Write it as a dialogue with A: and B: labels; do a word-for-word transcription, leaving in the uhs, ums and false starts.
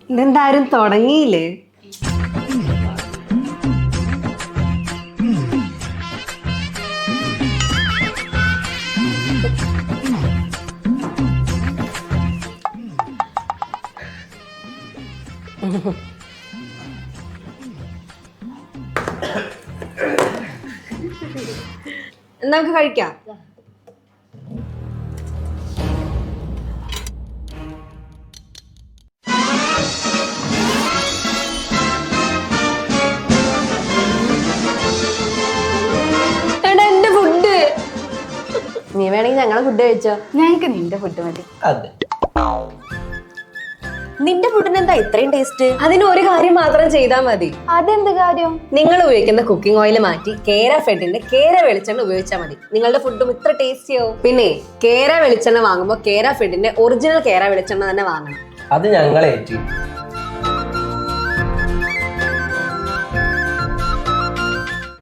A: ഇതെന്താരും തുടങ്ങിയില്ലേ? നമുക്ക് കഴിക്കാം. എന്റെ ഫുഡ് നീ വേണമെങ്കിൽ ഞങ്ങളെ ഫുഡ് കഴിച്ചോ.
B: ഞങ്ങൾക്ക് നിന്റെ ഫുഡ് മതി.
C: അതെ,
A: നിന്റെ ഫുഡിന് എന്താ ഇത്രയും ടേസ്റ്റ്? അതിന് ഒരു കാര്യം മാത്രം ചെയ്താൽ മതി.
B: അതെന്ത് കാര്യം?
A: നിങ്ങൾ ഉപയോഗിക്കുന്ന കുക്കിംഗ് ഓയിൽ മാറ്റി കേര ഫെഡിന്റെ കേര വെളിച്ചെണ്ണ ഉപയോഗിച്ചാൽ മതി. നിങ്ങളുടെ ഫുഡും ഇത്ര ടേസ്റ്റിയാവും. പിന്നെ കേര വെളിച്ചെണ്ണ വാങ്ങുമ്പോൾ കേര ഫെഡിന്റെ ഒറിജിനൽ കേര വെളിച്ചെണ്ണ തന്നെ വാങ്ങണം.
C: അത് ഞങ്ങളേറ്റി.